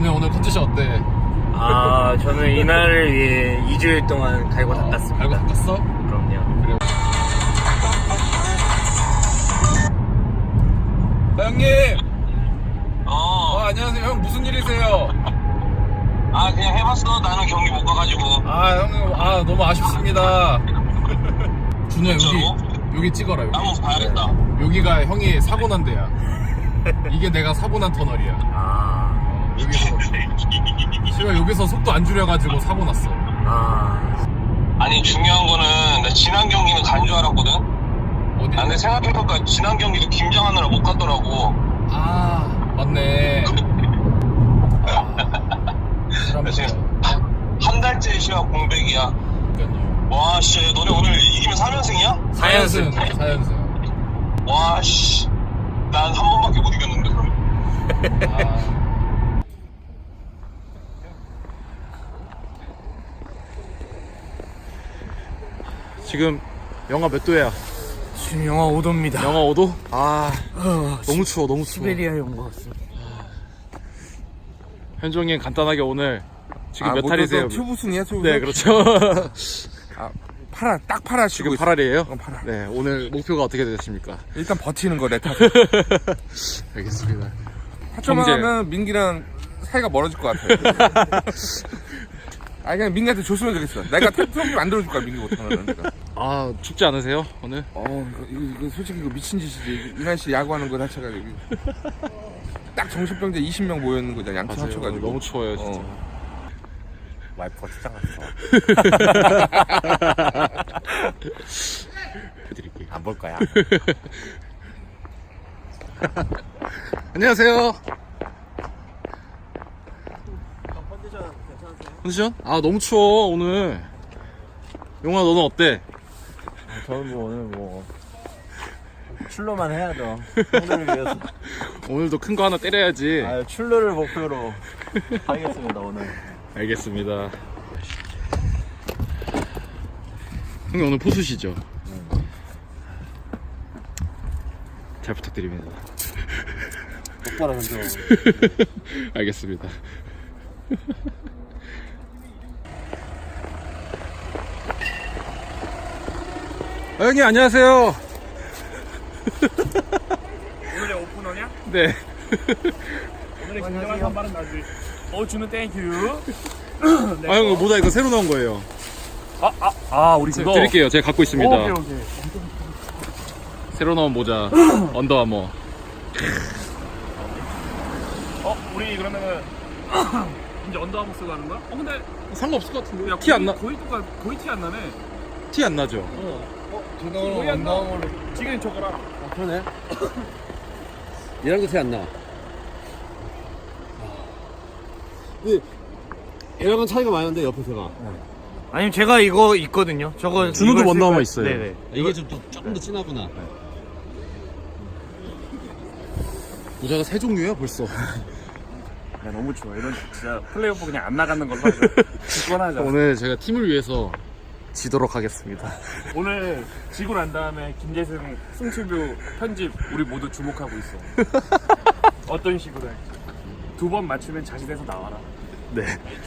형님 오늘 컨디션 어때? 아, 저는 이날을 위해 2주일 동안 갈고 닦았습니다. 갈고 닦았어? 그럼요. 그래. 형님! 안녕하세요. 형 무슨 일이세요? 아, 그냥 해봤어. 나는 경기 못 가가지고. 형님, 너무 아쉽습니다. 준호야, 여기 찍어라, 여기. 한번 봐야겠다. 여기가 형이 사고 난 데야. 이게 내가 사고 난 터널이야. 제가 여기서 속도 안 줄여가지고 사고 났어. 아니, 중요한 거는, 나 지난 경기는 간 줄 알았거든? 어디? 근데 생각해보니까 지난 경기도 김장하느라 못 갔더라고. 맞네. 지금 한 달째 시합 공백이야. 와, 씨, 너네 오늘 이기면 4연승이야? 4연승. 와, 씨. 난 한 번밖에 못 이겼는데, 그럼. 지금 영하 몇 도야? 지금 영하 5도입니다. 영하 5도? 너무 추워, 너무 추워. 시베리아에 온 것 같습니다. 현종이 간단하게 오늘 지금 몇 탈이세요? 투부순이야, 투부순? 네, 그렇죠. 딱 팔아 지금 치고 8할이에요? 팔아. 네, 오늘 목표가 어떻게 되십니까? 일단 버티는 거, 내 탓. 알겠습니다. 하초만 하면 민기랑 사이가 멀어질 것 같아. 그냥 민기한테 줬으면 좋겠어. 내가 트로피 만들어줄 거야, 민기 못하면. 내가. 춥지 않으세요, 오늘? 이거 솔직히 이거 미친 짓이지. 이 날씨 야구하는 거 자체가 여기. 딱 정신병자 20명 모여있는 거잖아, 양팀 맞아요. 합쳐가지고. 너무 추워요, 진짜. 와이프가 출장 갔어. 해드릴게요. 안 볼 거야. 안녕하세요. 컨디션 괜찮으세요? 컨디션? 너무 추워, 오늘. 용아, 너는 어때? 저는 오늘 출루만 해야죠. 형들을 위해서. 오늘도 큰 거 하나 때려야지. 출루를 목표로 하겠습니다, 오늘. 알겠습니다. 형님 오늘 포수시죠? 잘 부탁드립니다. 똑바로 던져. 알겠습니다. 형님 안녕하세요. 오늘의 오프너냐? 네. 오늘의 진정한 선발은 나지. 준우 땡큐. 형 모자 이거 새로 나온 거예요. 우리 그거 드릴게요. 제가 갖고 있습니다. 오케이. 새로 나온 모자 언더아머. 우리 그러면은 이제 언더아머 쓰고 하는 거야? 근데 상관없을 것 같은데. 야, 티 안 나. 거의 티 안 나네. 티 안 나죠? 거의 안 나. 지금 저거랑. 그러네. 얘랑도 티 안 나. 근데 얘랑은 차이가 많이 나는데 옆에서가. 아니면 제가 이거 있거든요. 저거 준호도 이거 원나무 쓸 있어요. 거예요. 네네. 이게 조금 더 진하구나. 모자가 세 종류야 벌써. 야, 너무 추워. 이런 진짜 플레이오프 그냥 안 나가는 걸로 하자. 기권하자. 오늘 제가 팀을 위해서 지도록 하겠습니다. 오늘 지고 난 다음에 김재승 승치뷰 편집 우리 모두 주목하고 있어. 어떤 식으로 할지. 2번 맞추면 자신에서 나와라. 네.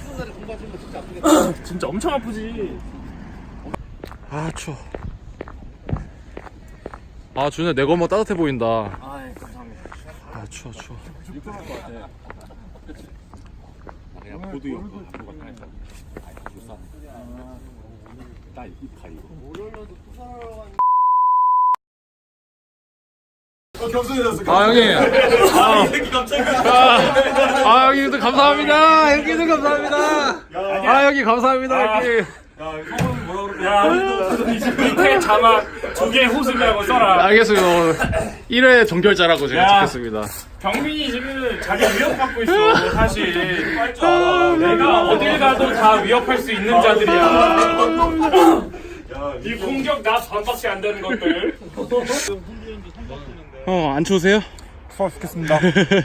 진짜 엄청 아프지. 추워. 준호야 내 거만 따뜻해 보인다. 감사합니다. 추워. 형님. 형님도 감사합니다. 형님도 감사합니다. 형님 감사합니다. 형님. 밑에 자막 2개 호수라고 써라. 알겠습니다. 1회 정결자라고 제가 찍겠습니다. 경민이 지금 자기 위협받고 있어. 사실 내가 어딜 가도 다 위협할 수 있는 자들이야. 이 공격 나 반박이 안 되는 것들. 안 추우세요? 수고 하셨겠습니다.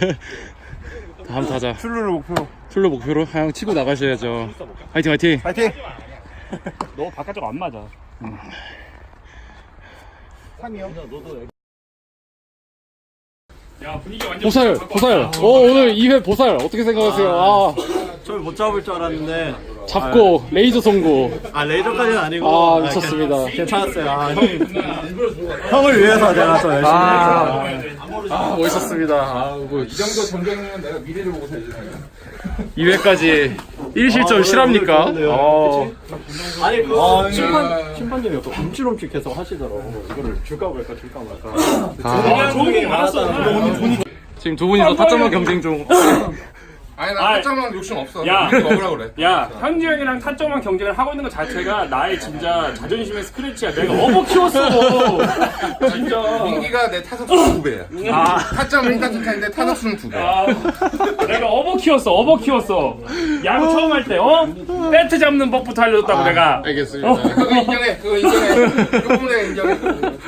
다음 타자. 출루를 목표로. 출루 목표로 형 치고 나가셔야죠. 화이팅. 파이팅! 너 바깥쪽 안 맞아. 3이요? 야 분위기 완전 보살, 보살. 오늘 2회 보살 어떻게 생각하세요? 아, 저를 못 잡을 줄 알았는데 잡고 레이저 송구. 레이저까지는 아니고 아, 미쳤습니다. 괜찮았어요. 형을 위해서 내가 또 열심히 아, 멋있었습니다. 아, 뭐 이 정도 전쟁이면 내가 미래를 보고 살지. 2회까지 1실점 실합니까? 아니 심판님이 또 움찔움찔 계속 하시더라고. 이거를 줄까 말까 줄까 말까. 좋은 게 많았어. 지금 두 분이서 타점만 경쟁 중. 아니 나 타점만 욕심 없어. 야. 이렇게 먹으라 그래. 야, 현지 형이랑 타점만 경쟁을 하고 있는 것 자체가 나의 진짜 자존심의 스크래치야. 내가 업어 키웠어. 진짜. 민기가 내 타석수는 2배야. 타점은 1타점인데 타석수는 2배. 내가 업어 키웠어. 야구 처음 할 때, 배트 잡는 법부터 알려줬다고 내가. 알겠습니다. 그거 인정해. 그거 내가 인정해.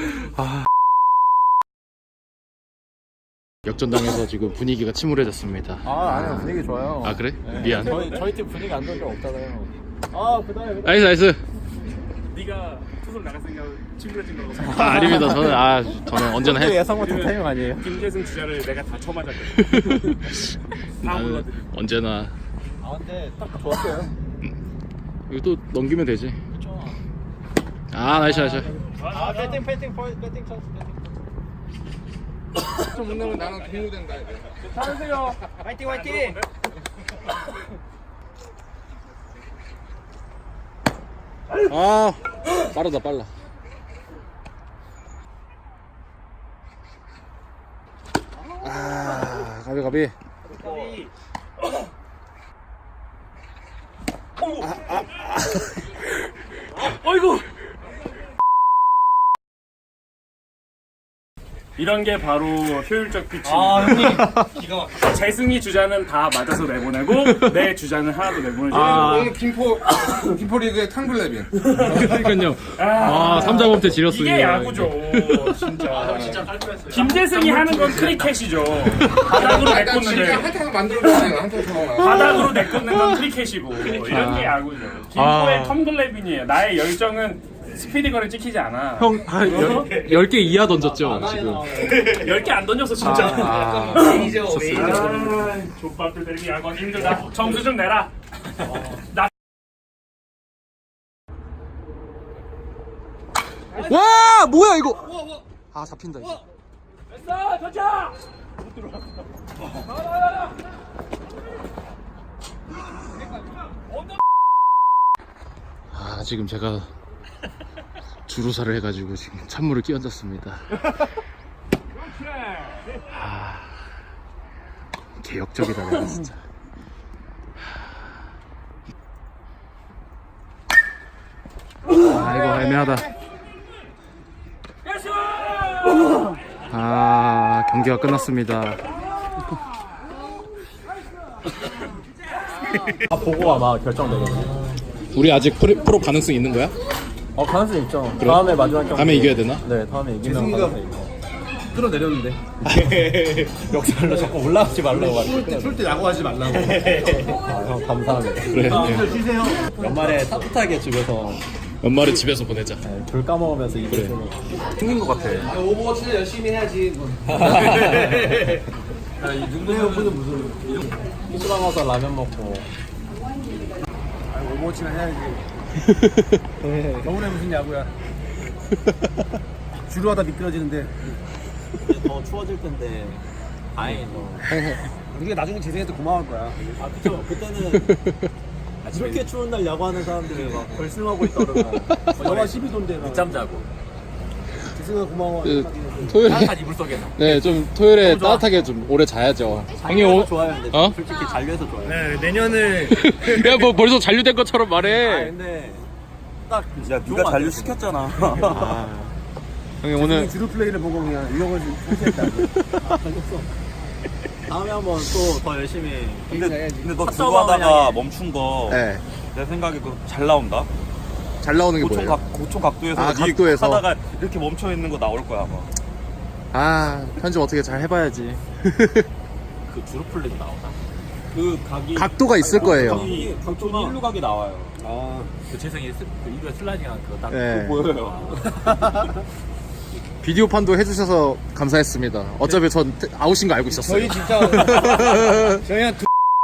역전당해서 지금 분위기가 침울해졌습니다. 아니요 분위기 좋아요. 아, 그래? 미안. 저희 팀 분위기 안 좋은 적 없잖아요. 그다음에 나이스, 나이스. 네가 투수로 나갔으니까 친구해진 거라고. 아닙니다. 저는 언제나 예상 못한 타이밍 아니에요? 김재승 주자를 내가 다 쳐맞았거든. 나는 언제나 근데 딱 좋았어요. 이거 또 넘기면 되지. 아, 나이스, 나이스. 배팅 찬스. 좀 못나면 나는 공무된다. 잘하세요. 화이팅. 아, 빠르다, 빨라. 아, 가비. 어이구. 이런 게 바로 효율적 피칭. 재승이 주자는 다 맞아서 내보내고 내 주자는 하나도 내보내지. 오늘 김포 리그의 탕블레빈. 그러니까요. 아, 3자범퇴 지렸습니다. 이게 야구죠. 진짜. 김재승이 하는 건 크리켓이죠. 바닥으로 내꽂는 한탕 만들어줘야 돼. 한탕 좋아. 바닥으로 내꽂는 건 크리켓이고 이런 게 야구죠. 김포의 텀블레빈이에요. 나의 열정은 스피디건을 찍히지 않아. 형, 10개 이하 던졌죠, 지금. 10개 안 던졌어 진짜. 족밥들 때리기 야구하기 힘들다. 점수 좀 내라. 와, 뭐야, 이거. 아, 잡힌다, 이거. 됐어, 던져. 아, 지금 제가 주루사를 해가지고 지금 찬물을 끼얹었습니다. 아, 개역적이다, 내가 진짜. 아, 이거 애매하다. 아, 경기가 끝났습니다. 보고 아마 결정되거든요. 우리 아직 프로 가능성 있는 거야? 가능성 있죠. 다음에 마지막 경기. 다음에 이겨야 되나? 네, 다음에 이기면 가능성 있죠. 끌어내렸는데. 역살로 자꾸 올라가지 말라고 하시고. 쫄 때 야구하지 말라고. 형 감사합니다. 그래. 쉬세요. 연말에 따뜻하게 집에서 연말에 집에서 보내자. 귤 까먹으면서 이기면 생긴 것 같아. 오버워치는 열심히 해야지. 이 정도 해보는 무슨. 호수랑 와서 라면 먹고. 오버워치는 해야지. 겨울에 무슨 야구야. 주로 하다 미끄러지는데. 더 추워질 텐데 다행이죠. 우리가 나중에 재생해도 고마울 거야. 그쵸. 그때는 이렇게 추운 날 야구하는 사람들이 막 결승하고 있더라고요. 영하 12도인데. 늦잠 자고. 재생아 고마워. 토요일에 이불 속에서. 네, 좀 토요일에 따뜻하게 좀 오래 자야죠. 형이 좋아요. 근데 어? 솔직히 잔류해서 좋아요. 네, 내년을 야, 뭐 벌써 잔류된 것처럼 말해. 근데 딱 네가 잔류 시켰잖아. 형이 오늘 주로 플레이를 보고 그냥 유형을 상실했다. 다음에 한번 또 더 열심히. 근데 너 탑 주로 하다가 서버만 멈춘 거 네. 내 생각에 그거 잘 나온다. 잘 나오는 게 뭐예요? 고총 각도에서 아, 네 각도에서? 하다가 이렇게 멈춰 있는 거 나올 거야 아마. 아, 편집 어떻게 잘 해봐야지. 그 주로 플레이 나오나? 그 각이 각도가 있을 거예요. 각도가 일루 각이 나와요. 아, 그 재생이 그 2루에 슬라이딩한 그거 딱 네. 보여요. 비디오판도 해주셔서 감사했습니다. 어차피 전 아웃인 거 알고 있었어요. 저희 진짜 저희 한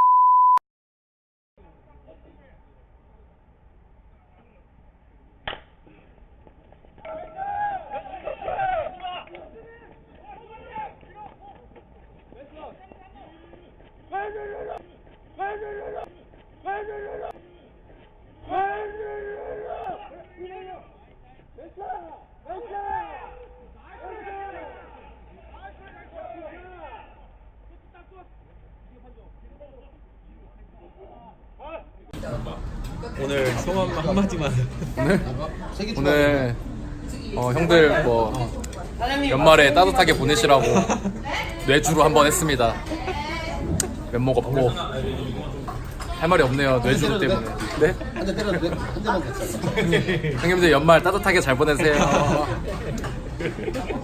오늘 소감 한마디만. 오늘 형들 뭐 연말에 따뜻하게 보내시라고 뇌주로 한번 했습니다. 면목 없고 할 말이 없네요. 뇌주로 때문에. 네? 한 대 때려도 돼? 한 대만 됐잖아. 형님들 연말 따뜻하게 잘 보내세요.